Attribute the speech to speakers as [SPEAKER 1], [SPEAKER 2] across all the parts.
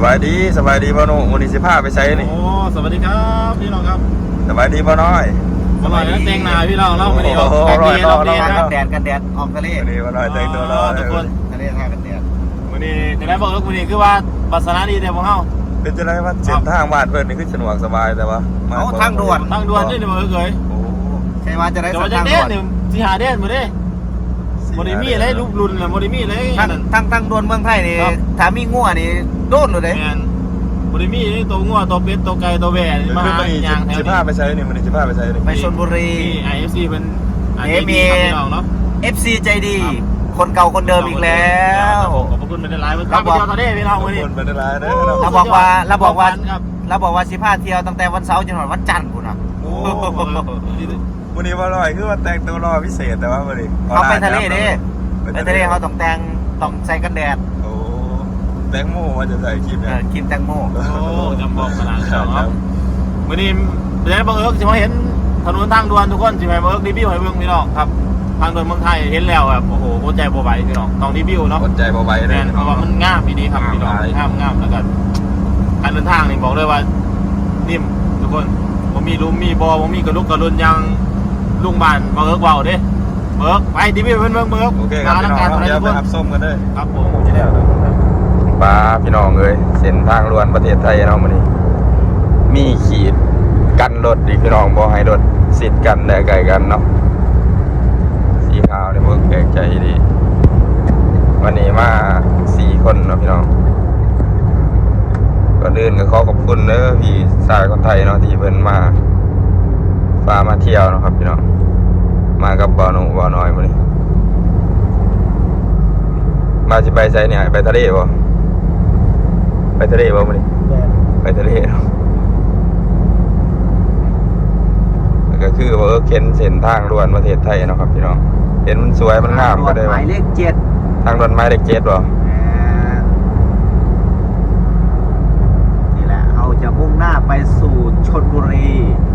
[SPEAKER 1] บายดีพ่อหนุ่มวันนี้สิพาไปใช้นี่
[SPEAKER 2] โอ้สวัสดีครับพี่น้องครับ
[SPEAKER 1] สบายดีพ่อน้อย
[SPEAKER 2] อร่อยนะแตงนาพี่น้องเล่ามาดีออก
[SPEAKER 3] กันแดดออกทะเล
[SPEAKER 1] วันนี้พ่อน้อยแต่งตัวรอ
[SPEAKER 2] ทุกคน
[SPEAKER 3] ทะเลทากันแดด
[SPEAKER 2] วันนี้จะได้บอกว่าวันนี้คือว่าปัสนาดีแต่พวกเขา
[SPEAKER 1] เป็นจะได้ว่าเส้นทางบ้านเพื่อนนี่คือสะดวกสบายแต่ว่า
[SPEAKER 3] ทางด่วน
[SPEAKER 2] นี่เดี๋ยวเคย
[SPEAKER 3] ใช่ว่าจะได้
[SPEAKER 2] ทางด่วนที่หาเด่นมาดิโมดิมี่เลยลูกรุนเลยโมดิมี่เลย
[SPEAKER 3] ทางด่วนเมืองไทยนี่ถ้ามีงัวนี่โดนเลย
[SPEAKER 2] โมดิมี่นี่ตัวงัวตัวเป็ดตัวไก่ตัวแบะ
[SPEAKER 1] มาอย่างแถวนี้สิพาไปใช้นี่มันสิพาไปใช้นี่
[SPEAKER 3] ไปชลบุรี
[SPEAKER 2] IFC เป็น
[SPEAKER 3] มี FC ใจดีคนเก่าคนเดิมอีกแล้ว
[SPEAKER 2] ขอบคุณเป็นไลน์เราบอกทะเลพี่น้องวันนี้
[SPEAKER 1] เป็นไลน์นะ
[SPEAKER 3] เราบอกว่าสิพาเที่ยวตั้งแต่วันเสาร์จนถึงวันจันทร์คุณนะ
[SPEAKER 1] วันนี้ว่าลอยคือว่าแต่งตัวรอพิเศษแต่ว่าวันนี้
[SPEAKER 3] เขาไปทะเลดิไปทะเลเขาต้องใส่กันแดด
[SPEAKER 1] โอ้แตงโมว่าจะใส่คลิปเนี่ย
[SPEAKER 3] กินแตงโม
[SPEAKER 2] โอ้จำบอกขนาดนั้นวันนี้เดี๋ยวบังเอิญจะมาเห็นถนนทางด่วนทุกคนจะมาบังเอิญรีวิวให้เบิ่งพี่น้องครับทางด่วนเมืองไทยเห็นแล้วแบบโอ้โหหัวใจโบไหวพี่น้องต้องรีวิวเนาะ
[SPEAKER 1] หัวใจโบไหวเลย
[SPEAKER 2] เพราะว่ามันง่ามดีครับพี่น้องง่ามแล้วกันการเดินทางนี่บอกเลยว่านิ่มทุกคนผมมีมีบอผมมีกระลุกกระลุนยังลุงบ้านมาเอิร์กเบาดิเบิร์กไปดีพี่เพื่อนเบิร์ก
[SPEAKER 1] โอเคครับพี่น้องเดี๋ยวไปรับส้มกันเลย
[SPEAKER 2] ครับผมจะได้
[SPEAKER 1] ป้าพี่น้องเลยเส้นทางล้วนประเทศไทยเนาะมันนี่มีขีดกันรถดิพี่น้องบอกให้รถสิทธิ์กันได้ไกลกันเนาะสีขาวเนี่ยเบิร์กแปลกใจดีวันนี้มา4 คนเนาะพี่น้องก่อนอื่นก็ขอขอบคุณเด้อพี่ชายคนไทยเนาะที่เพิ่นมาเที่ยวนะครับพี่น้องมากับบ่าวหนุ่มบ่าวน้อยมาเลยมาจะไปไซเนี่ยไปทะเลบ่ไปทะเลบ่มาเลยไปทะเลเนาะก็คือว่าเข็นเส้นทางด่วนประเทศไทยนะครับพี่น้องเห็นมันสวยมันงามก็ได้
[SPEAKER 3] หมายเลข7
[SPEAKER 1] ทางด่วนหมายเลข7บ่
[SPEAKER 3] นี่แหละเราจะมุ่งหน้าไปสู่ชลบุรี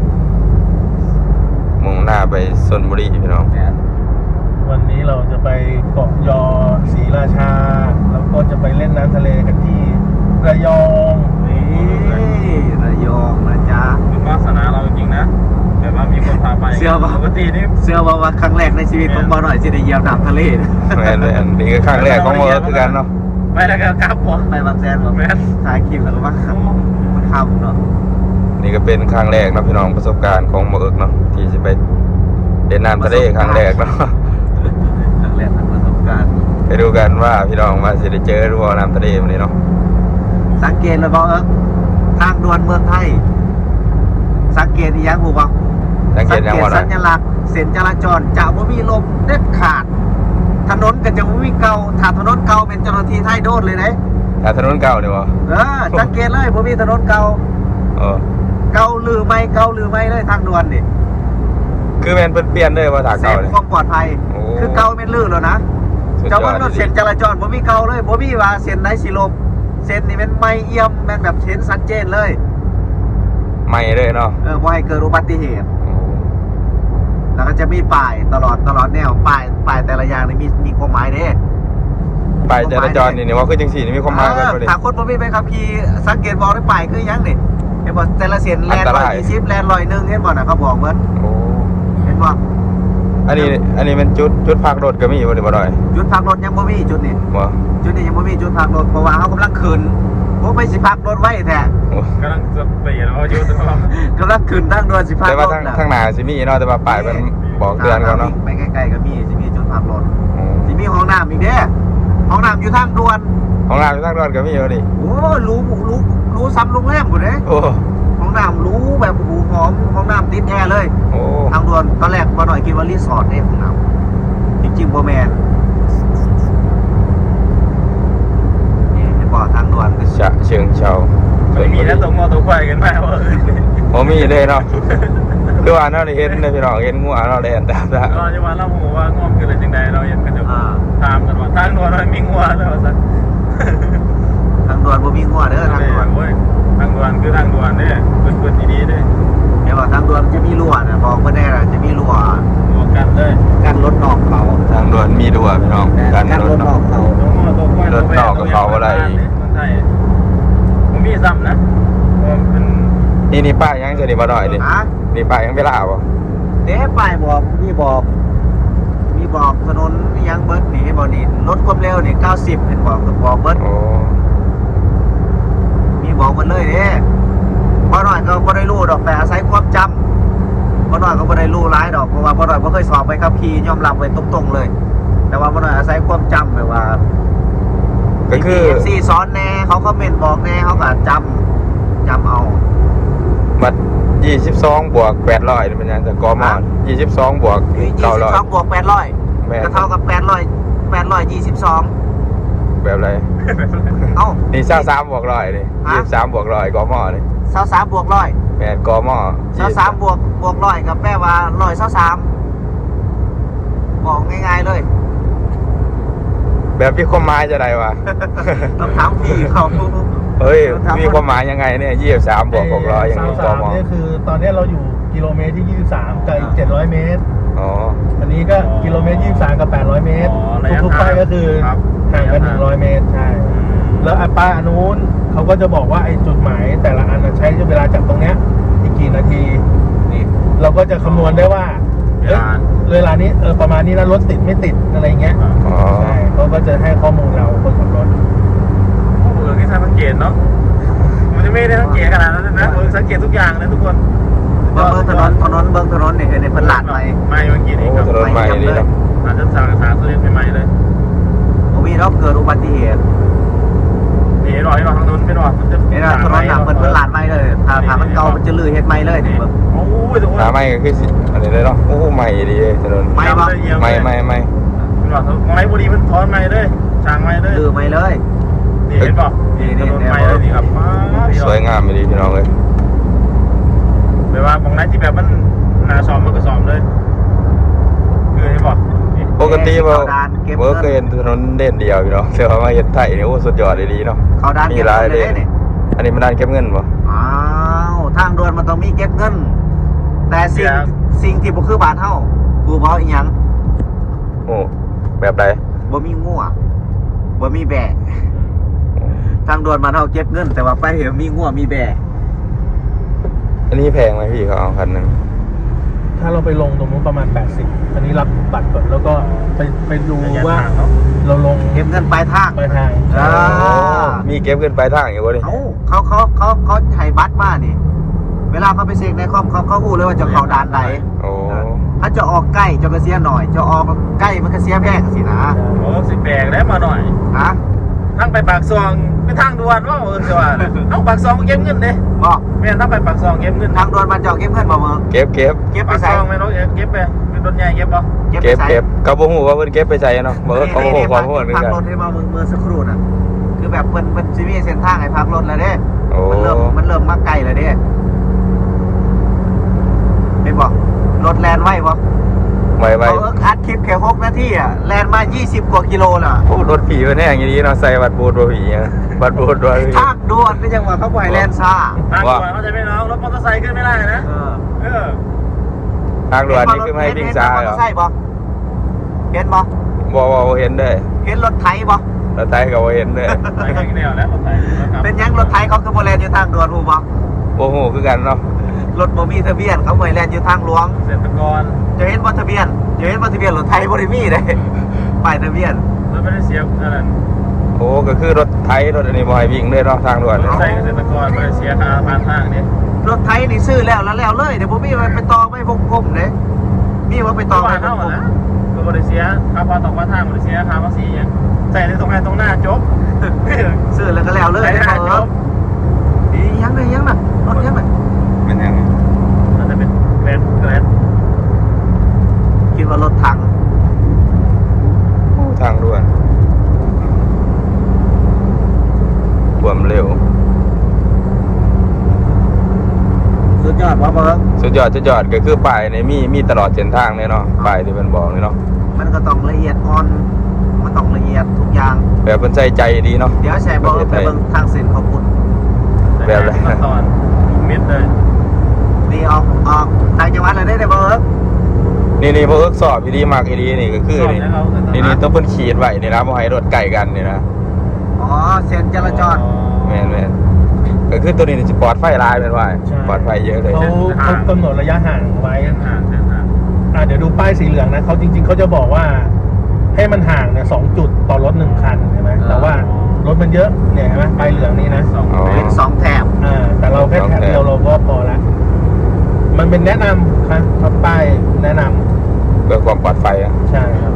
[SPEAKER 1] มุ่งหน้าไปชลบุรีพี่น้อง
[SPEAKER 2] วันนี้เราจะไปเกาะยอศรีราชาแล้วก็จะไปเล่นน้ำทะเลกันที่ระยอง
[SPEAKER 3] นี่ระยองนะจ๊ะ
[SPEAKER 2] เป็นวาสนาเราจริงๆนะแบบว่ามีคนพาไปปกตินี่
[SPEAKER 3] เชื่อว่าครั้งแรกในชีวิตของบ่าวหน่อยจะได้เหยียบน้ำทะเล
[SPEAKER 1] แม่นเลยนี่ก็ครั้งแรกของเมื่อคือกันเนาะ
[SPEAKER 2] ไปแล้วก็กลับบ่
[SPEAKER 3] ไปบางแสนบ่ถ่ายคลิปแล้วก็ว่ามันค่ำเนาะ
[SPEAKER 1] นี่ก็เป็นครั้งแรกนะพี่น้องประสบการณ์ของเมื่อเนาะที่จะไปเล่นน้ำทะเลครั้งแรกเนาะ
[SPEAKER 3] ครั้งแรกประสบการณ์
[SPEAKER 1] ไปดูกันว่าพี่น้องมาจะได้เจอรู้ว่าน้ำทะเลวันนี้เนาะ
[SPEAKER 3] สังเกตเลยบ่ทางด่วนเมืองไทยสังเกตอีกอย่างบ่
[SPEAKER 1] สังเกต
[SPEAKER 3] สัญลักษณ์เส้นจราจรจะบ่มีลมเด็ดขาดถนนก็จะบ่มีเก่าถ้าถนนเก่าเป็นเจ้าหน้าที่ไทยโดนเลยนะ
[SPEAKER 1] ถ้าถนนเก่าเนี่ยวะ
[SPEAKER 3] สังเกตเลยบ่มีถนนเก่าเก่าหรือไม่เลยทางด่วนนี่
[SPEAKER 1] คือแมนเปลี่ยนเลยว่าทางเก่าเลย
[SPEAKER 3] ความปลอดภัยคือเก่าเป็นลื่นแล้วนะเจ้าว่ารถเส้นจราจรบ่มีเก่าเลยบ่มีว่าเส้นไหนสิลบเส้นนี่เป็นไม่เอี่ยมแม่นแบบเห็นชัดเจนเลย
[SPEAKER 1] ไม่เลยเนาะ
[SPEAKER 3] บ่ให้เกิดอุบัติเหตุแล้วก็จะมีป้ายตลอดแนวป้ายแต่ละอย่างนี่มีความหมายเด้
[SPEAKER 1] ป้ายจราจรนี่ว่าคือจังซี่นี่มีความหมายกันบ่
[SPEAKER 3] ดิถ้าคนบ่มีใบขับขี่สังเกตบอกได้ป้ายคือหยังนี่เห็นบ่แต่ละเส้นแล่น120แล่น101เห็นบ่น่ะเขาบอกเหมือนเห็นบ่
[SPEAKER 1] อันนี้มันจุดพักรถก็มีบ่ได้บ่ได้
[SPEAKER 3] จุดพักรถยังบ่มีจุดนี้
[SPEAKER 1] บ่
[SPEAKER 3] จุดนี้ยังบ่มีจุดพักรถเพราะว่าเฮากำลังขึ้นบ่ไปสิพักรถไว้แท้
[SPEAKER 2] กำลังจะเปลี่ยนเอาอยู่
[SPEAKER 3] กำลังขึ้นทางด่วนสิพักรถ
[SPEAKER 1] แต่ว่าทางหน้าสิมีเนาะแต่ว่าป้ายมันบอกเตือนเขาเนาะ
[SPEAKER 3] ไปใกล้ๆก็มีสิมีจุดพักรถสิมีห้องน้ำอีกเด้ห้องน้ำอยู่ทางด่วน
[SPEAKER 1] ห้องน้ำอยู่ทางด่วนก็มีอยู่ดิ
[SPEAKER 3] โอ้รู้ซ้ำโรงแรมพุ่นเด้
[SPEAKER 1] โอ้
[SPEAKER 3] ห้องน้ำรู้แบบหูหอมห้องน้ำติดแอร์เลยทางด่วนตอนแรกบ่หน่อยคิดว่ารีสอร์ทเนี่ยห้องน้ำจริงๆบ่แม่นนี่เห็นบ่ทางด่วน
[SPEAKER 1] ฉะเชิงเทรา
[SPEAKER 2] ไม่มีแล้วตรงมอตรงไฟกันไหมว่า
[SPEAKER 1] บ่มีเลยเนาะคือว่าเนาะเห็นเลยพี่น้องเห็นงัวเนาะแล่นตาม
[SPEAKER 2] เราจะมาเล่าหัวว่างอมคืออะไรจังใดเราเห็นกันเดี๋ยวถามกันว่าทางด่วนมันมีงัวแล้วซะ
[SPEAKER 3] ทางด่วนบ่มีงัวเด้อทางด่วน
[SPEAKER 2] ทางด่วนคือทางด่วนเนี่ยเปิดดีๆเด้
[SPEAKER 3] เดี๋ยวทางด่วนจะมีรั้วนะบอกเพิ่นได้ล่ะจะมีรั้ว
[SPEAKER 2] กันเลย
[SPEAKER 3] กันรถนอกเขา
[SPEAKER 1] ทางด่วนมีรั้วพี่น้อง
[SPEAKER 3] กันรถนอกเขา
[SPEAKER 1] รถนอกกับเขาอะไร
[SPEAKER 2] มีซ้ำนะเป็น
[SPEAKER 1] นี่ป้ายยังจะดีมาหน่อยดิ
[SPEAKER 3] ฮะ
[SPEAKER 1] นี่ป้ายยังไม่ลาบ่
[SPEAKER 3] เด้ป้ายบอกมีบอกถนนยังเบิร์ดหนีบ่นี่รถความเร็วนี่90เห็นบอกเบิร์ด
[SPEAKER 1] โอ้
[SPEAKER 3] มีบอกมันเลยเด้บ่หน่อยก็บ่ได้รู้ดอกแต่อาศัยความจำบ่หน่อยก็บ่ได้รู้หลายดอกเพราะว่าบ่หน่อยบ่เคยสอบไปขับขี่ยอมรับไว้ตรงๆเลย แต่ว่าบ่หน่อยอาศัยความจำแบบว่า
[SPEAKER 1] ก็คือ
[SPEAKER 3] FC สอนแน่เขาคอมเมนต์บอกแน่เขาก็จำเอา
[SPEAKER 1] มัด22 บวก 800นี่มันยังแต่กม22 บวก
[SPEAKER 3] 22บวก800
[SPEAKER 1] แม่น
[SPEAKER 3] ก็เท่ากับ822
[SPEAKER 1] แบบไร
[SPEAKER 3] เอ้า
[SPEAKER 1] นี่23บวก100นี่
[SPEAKER 3] ฮะ
[SPEAKER 1] 23บวก100กมนี่
[SPEAKER 3] 23บวก100
[SPEAKER 1] แม่นกม
[SPEAKER 3] 23บวก100ก็แปลว่า123บอกง่ายๆเลย
[SPEAKER 1] แบบมีความหมายจะได้วะ
[SPEAKER 3] ต้องถามพี่เขา
[SPEAKER 1] เฮ้ยมีความหมายยังไงเนี่ย23บวก600อย่างนี้กม
[SPEAKER 4] นี่คือตอนนี้เราอยู่กิโลเมตรที่ 23กับอีก700 เมตร
[SPEAKER 1] อ๋อ
[SPEAKER 4] อันนี้ก็กิโลเมตร 23 กับ 800 เมตร ทุกๆป้ายก็คือห่างกัน100 เมตร ใช่ แล้วป้ายอันนู้นเขาก็จะบอกว่าไอ้จุดหมายแต่ละอันใช้เวลาจากตรงเนี้ยอีกกี่นาที
[SPEAKER 3] นี่
[SPEAKER 4] เราก็จะคำนวณได้ว่าเวลานี้ประมาณนี้นะรถติดไม่ติดอะไรเงี้ย
[SPEAKER 1] อ๋อ
[SPEAKER 4] ใช่เขาก็จะให้ข้อมูลเราคนขับรถ
[SPEAKER 2] โอ้โหนี่สังเกตเนาะมันจะไม่ได้สังเกตขนาดนั้นนะสังเกตทุกอย่างเลยทุกคน
[SPEAKER 3] เบิ่งถนนนี่เห็นในเพิ่นลาดไป
[SPEAKER 2] ไม่เมื่อกี้
[SPEAKER 1] โอ้
[SPEAKER 2] นี่ครับ
[SPEAKER 1] ถนนใหม่ดีเนาะ
[SPEAKER 2] อาจจะสารตัวเล็กใหม่เลย
[SPEAKER 3] บ่มีรอบเกิดอุบัติเหตุ
[SPEAKER 2] นี่หน่อยทางนู้นไม่หน่อยมันจะ
[SPEAKER 3] นี่นะถนนน่ะเพิ่นลาดไปเลยถ้ามันเก่ามันจะลื้อเฮ็ดใหม่เลยนี่เบิ่ง
[SPEAKER 2] โอ้ยทุกคน
[SPEAKER 1] หาไม่ก็คือสิอันนี้เลยเนาะโอ้ใหม่ดีถนน
[SPEAKER 3] ไม่ปะ
[SPEAKER 1] ไม่
[SPEAKER 2] มันหน่อยมองไหนบุรีมันถอนใหม่เลยช่างใหม่เลย
[SPEAKER 3] ลื้อใหม่เลย
[SPEAKER 2] นี่เห็นป่ะนี่ถนนใหม่เลยนี่ครับ
[SPEAKER 1] สวยงามดีพี่น้องเลย
[SPEAKER 2] แปลว่ามองไหนที่แบบมันหนาซ้อมมันก็ซ้อมเลยคือเห็นป่ะ
[SPEAKER 1] ปกติบ่
[SPEAKER 3] เข้าด่านเก็บ
[SPEAKER 1] บ่
[SPEAKER 3] เงิน
[SPEAKER 1] เคยเห็นถนนเด่นเดียวพี่น้องแต่ว่ามาเฮ็ดไทยนี่โอ้สุดยอดดีเนาะ
[SPEAKER 3] เขาด้าน
[SPEAKER 1] มี
[SPEAKER 3] เก็บ
[SPEAKER 1] หลาย
[SPEAKER 3] เงิน
[SPEAKER 1] เล
[SPEAKER 3] เลย ยนี่
[SPEAKER 1] อันนี้มันด้านเก็บเงินบ่
[SPEAKER 3] อ้าวทางด่วนมันต้องมีเก็บเงิน แต่สิ่งที่บ่คือบ้านเฮาคือบ่อีหยัง
[SPEAKER 1] โอ้แบบใด
[SPEAKER 3] บ่มีงัวบ่มีแบะทางด่วนบ้านเฮาเก็บเงิน แต่ว่าไปเห็นมีงัวมีแบะ
[SPEAKER 1] อันนี้แพงไหมพี่เขาเอาคันนึง
[SPEAKER 4] ถ้าเราไปลงตรงนู้นประมาณ 80 อันนี้รับบัตรก่อนแล้วก็ไปดูว่าเราลง
[SPEAKER 3] เก็บเงินปลายทาง
[SPEAKER 4] ไปทาง
[SPEAKER 3] อ่า
[SPEAKER 1] มีเก็บเงินปลายทางอยู่บ่ดิ
[SPEAKER 3] เอ้าเขาให้บัตรมานี่ เวลาเขาไปเซ็กในคอมเขาฮู้เลยว่าจะเข้าด่านใด
[SPEAKER 1] โอ้
[SPEAKER 3] ถ้าจะออกใกล้จะก็เสียหน่อย จะออกใกล้มันก็เสียแพงสินะ
[SPEAKER 2] โอ้สิแบกได้มาหน่อย
[SPEAKER 3] ฮะ
[SPEAKER 2] ทั้งไปปากซองไปทางด่วนว่าจะว่าเอาปากซองเก็บเงินเด้
[SPEAKER 3] บอก
[SPEAKER 2] แม่ทั้งไปปากซองเก็บเงิน
[SPEAKER 3] ทางด่วนมันจะเอาเก็บเงินบ่เมือง
[SPEAKER 1] เก็บ
[SPEAKER 3] เก็บไป
[SPEAKER 2] ปากซ
[SPEAKER 3] ใส่
[SPEAKER 2] องไม่รู้เก็บไปเป็นรถใหญ่เก็บป่ะ
[SPEAKER 3] เก็บไป
[SPEAKER 1] เก็บ
[SPEAKER 3] ใส่
[SPEAKER 1] เก็บเขาบ่ฮู้ว่าเพิ่นเก็บไปใส่เนาะบ่เขาบ่ฮู้ความรู้เหมือน
[SPEAKER 3] พัก
[SPEAKER 1] กัน
[SPEAKER 3] รถให้มาเมืองสักครู่น่ะ คือแบบเป็นซีมีเส้นทางให้พักรถแล้วเด้
[SPEAKER 1] โอ้
[SPEAKER 3] มันเริ่มมาไกลแล้วเด้เป็นบอกรถแลนไว้บ่
[SPEAKER 1] ไว้
[SPEAKER 3] เขาอัดคลิปแค่6 นาทีอ่ะแลนมา20 กว่ากิโลน่ะ
[SPEAKER 1] โอ้รถผีเพิ่นแห้งอย่างนี้เนาะใส่บัตรบูดบ่ผีอะบัตรบูดบ่ผี
[SPEAKER 3] ทางด่วนนี่ยังว่าเขาปล่อยแลนซ่า
[SPEAKER 2] ทางด่วนเขาจะไม่น้องรถมอเตอร์ไซค์ขึ้นไม่ได้นะ
[SPEAKER 3] เออ
[SPEAKER 1] ทางด่วนนี่คือไม่ให้วิ่งซ้ายเหรอ
[SPEAKER 3] ใช่บ่เห็นบ่
[SPEAKER 1] บ่เห็นเด้อ
[SPEAKER 3] เห็นรถไถบ่
[SPEAKER 1] แล้วไทยก็บ่เห็นเด้อ
[SPEAKER 2] ไปข้างแนวแล้วรถไฟ
[SPEAKER 3] เป็นยังรถไถเขาคือบ่แลนอยู่ทางด่วนฮู้บ่
[SPEAKER 1] บ่ฮู้คือกันเนาะ
[SPEAKER 3] รถบ่มีทะเบียนเขาปล่อยแลนอยู่ทางหลวง
[SPEAKER 2] เกษตรกร
[SPEAKER 3] จะเห็นบ่ทะเบียนรถไถบ่ได้มีเด้ป้ายทะเบียน
[SPEAKER 2] รถไม่ได้เสียอะไร
[SPEAKER 1] โอ้ก็คือรถไทยรถอันนี้บ่ให้วิ่งเลยเนาะทางด่วน
[SPEAKER 2] ร
[SPEAKER 1] เนี่ย
[SPEAKER 2] ถไฟเกษตรกรไม่ได้เสียค่าผ่านทางนี่
[SPEAKER 3] รถไถนี่ซื้อแล้วเลยเดี๋ยวบ่มีไปต่อไม่พงเด้มีว่าไปต่อ
[SPEAKER 2] ผ่านเท่าไหร่นะก็บริเสียค่าผ่านต่อผ่านทางบริเสียค่าภาษีอย่างใส่ในตรงไหนตรงหน้าจบ
[SPEAKER 3] ซื้อแล้วก็แล้วเลย
[SPEAKER 2] ใส่ในหน้าจบ
[SPEAKER 3] ยังน่ะรถยังน่ะ
[SPEAKER 1] มันยัง
[SPEAKER 2] มันจะเป็นแกรน
[SPEAKER 3] คิดว่ารถถัง
[SPEAKER 1] ทางด่วนความเร็ว
[SPEAKER 3] สุดยอดว่าเบิ่ง
[SPEAKER 1] สุดยอดก็คือป้ายนี่มีตลอดเส้นทางเลยเนาะป้ายที่เพิ่นบอกเลยเนาะ
[SPEAKER 3] มันก็ต้องละเอียดอ่อนมันต้องละเอียดทุกอย่าง
[SPEAKER 1] แบบเพิ่นใส่ใจดีเนาะ
[SPEAKER 3] เดี๋ยวแชร์บอกไปเบิ่งทางเส้นเขาพุ่น
[SPEAKER 1] แบบอะไร
[SPEAKER 2] ตอนมิดเลย
[SPEAKER 3] นี่ออกทางจังหวัดเลยได้เบิ่ง
[SPEAKER 1] นี่พวกเอิกสอบอีดีมากอีดีนี่ก็คือนี่ต้องเพิ่นขีดไว้นี่นะบ่ให้รถใกล้กันนี่นะ
[SPEAKER 3] อ๋อเส้นจราจร
[SPEAKER 1] แม่นก็คือตัวนี้จะปลอดไฟลายเป็นว่า
[SPEAKER 4] ใช่
[SPEAKER 1] ปลอดไฟเยอะเลย
[SPEAKER 4] เขากำหนดระยะห่างไว้ เดี๋ยวดูป้ายสีเหลืองนะเขาจริงๆเขาจะบอกว่าให้มันห่างเนี่ย2 จุดต่อรถ1 คันใช่ไหมแต่ว่ารถมันเยอะเนี่ยเห็นไหมป้ายเหลืองนี้นะ
[SPEAKER 1] อ๋อ
[SPEAKER 3] เป็น2 แถบ
[SPEAKER 4] แต่เราแค่แถบเดียวเราก็พอละมันเป็นแนะนำครับป้ายแนะนำ
[SPEAKER 1] เพื่อความปลอดภัยอ่ะ
[SPEAKER 4] ใช่ครับ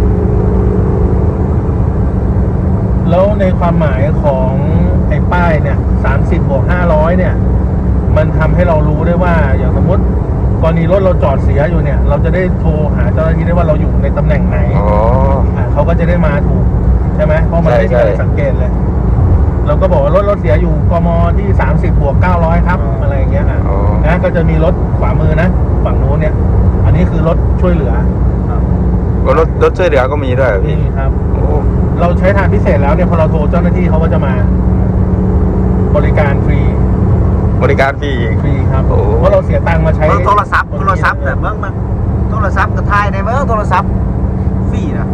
[SPEAKER 4] แล้วในความหมายของไอ้ป้ายเนี่ย30+500เนี่ย มันทำให้เรารู้ได้ว่าอย่างสมมติกรณีรถเราจอดเสียอยู่เนี่ย เราจะได้โทรหาเจ้าหน้าที่ได้ว่าเราอยู่ในตำแหน่งไหน
[SPEAKER 1] อ๋อ
[SPEAKER 4] เขาก็จะได้มาถูกใช่ไหมเพราะมันไม่มีอะไรสังเกตเลย เราก็บอกว่ารถเสียอยู่กมที่30+900ครับอะไรอย่างเงี้ยนะก็จะมีรถขวามือนะฝั่งนู้นเนี่ย อันนี้คือรถช่วยเหลือ
[SPEAKER 1] รถช่วยเหลือก็มีด้วยเหรอพี่
[SPEAKER 4] นี่ครับ
[SPEAKER 1] โอ้
[SPEAKER 4] เราใช้ทางพิเศษแล้วเนี่ยพอเราโทรเจ้าหน้าที่เขาก็จะมา บริการฟรี
[SPEAKER 1] บริการฟรีอีก
[SPEAKER 4] ฟรีครับ
[SPEAKER 1] โอ้
[SPEAKER 4] เพราะเราเสียตังค์มาใช้
[SPEAKER 3] เบิ่งโทรศัพท์แต่เบิ่งมันโทรศัพท์ก็ถ่ายในเบิ่งโทรศัพท์ฟรีนะ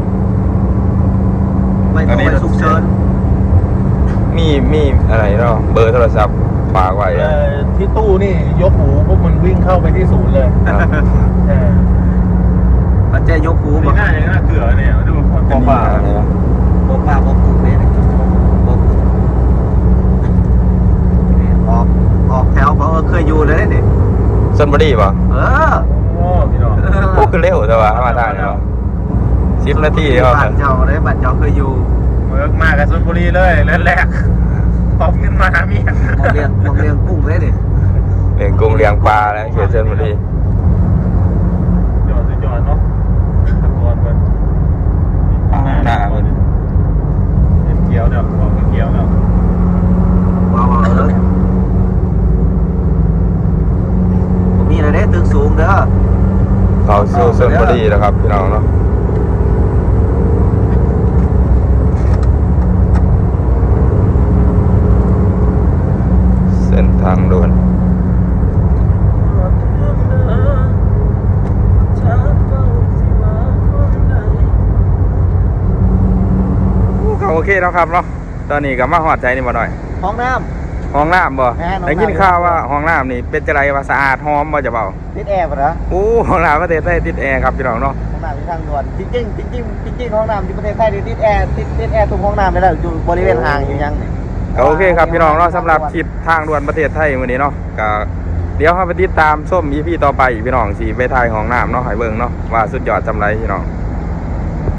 [SPEAKER 3] ไม่ต้องไปฉุกเฉิน
[SPEAKER 1] มีอะไรเนาะเบอร์โทรศัพท์ฝากไว้อะ
[SPEAKER 4] ที่ตู้นี่ยกหูปุ๊บมันวิ่งเข้าไปที่ศูนย์เลย
[SPEAKER 1] ครับ
[SPEAKER 4] ใช่
[SPEAKER 3] มันจะยกหู
[SPEAKER 2] นี่
[SPEAKER 3] บ่
[SPEAKER 2] ง่ายอย่างนั้นเกลือเนี่ยดูปอป่า
[SPEAKER 1] อะไรนะ
[SPEAKER 3] บ่ป้าบ่กุกเลยนะบ่กุกออกแถวบ่เคยอยู่เลยนี่
[SPEAKER 1] ชลบุรีป่ะ
[SPEAKER 2] โอ้พี่น้อง
[SPEAKER 1] โอ้คือเร็วแต่ว่ามาได้เนาะ10 นาทีก็
[SPEAKER 3] บ้านเจ้าเลยบ้านเจ้าเคยอยู่
[SPEAKER 2] เวิร์กมากกับชลบุรีเลยเริ่มแรกออกขึ้นมาหาเมีย
[SPEAKER 3] มองเรียงกุ้งเลยนี่
[SPEAKER 1] เลี้ยงกุ้งเลี้ยงปลาแล้วเขตชลบุรี
[SPEAKER 2] จอดเนาะตะกอนมัน
[SPEAKER 1] หน้ามัน
[SPEAKER 2] เป็นเกียวเนาะบอกเป็นเกียวเนาะ
[SPEAKER 3] ว้าวๆเลยผมมีอะไรได้ตึกสูงเด้อ
[SPEAKER 1] เขาสู่ชลบุรีแล้วครับพี่น้องเนาะเส้นทางด่วนก็โอเคแล้วครับเนาะตอนนี้ก็มาหอดใจนี่บ่หน่อย
[SPEAKER 3] ห้องน้
[SPEAKER 1] ห้องน้ำบ่
[SPEAKER 3] แม่นห้องน้ำ
[SPEAKER 1] ได้ยินข่าวว่าห้องน้ำนี่เป็นจะไรว่าสะอาดหอมบ่จะเบา
[SPEAKER 3] ำติดแอร์ป่ะนะ
[SPEAKER 1] โอ้ห้องน้ำประเทศไทยติดแอร์ครับพี่น้องเนาะ
[SPEAKER 3] ห้องน้ำที่ทางด่วนจริงห้องน้ำที่ประเทศไทยนี่ติดแอร์ทุกห้องน้ำเลยแล้วอยู่บริเวณห่างอยู่ยังนี่
[SPEAKER 1] ก็โอเคครับพี่น้องเนาะสำหรับคลิปทางด่วนประเทศไทยมื้อนี้เนาะก็เดี๋ยวเราไปติดตามส้ม EP ต่อไปพี่น้องสิไปถ่ายห้องน้ำเนาะให้เบิ่งเนาะว่าสุดยอดจำไรพี่น้อง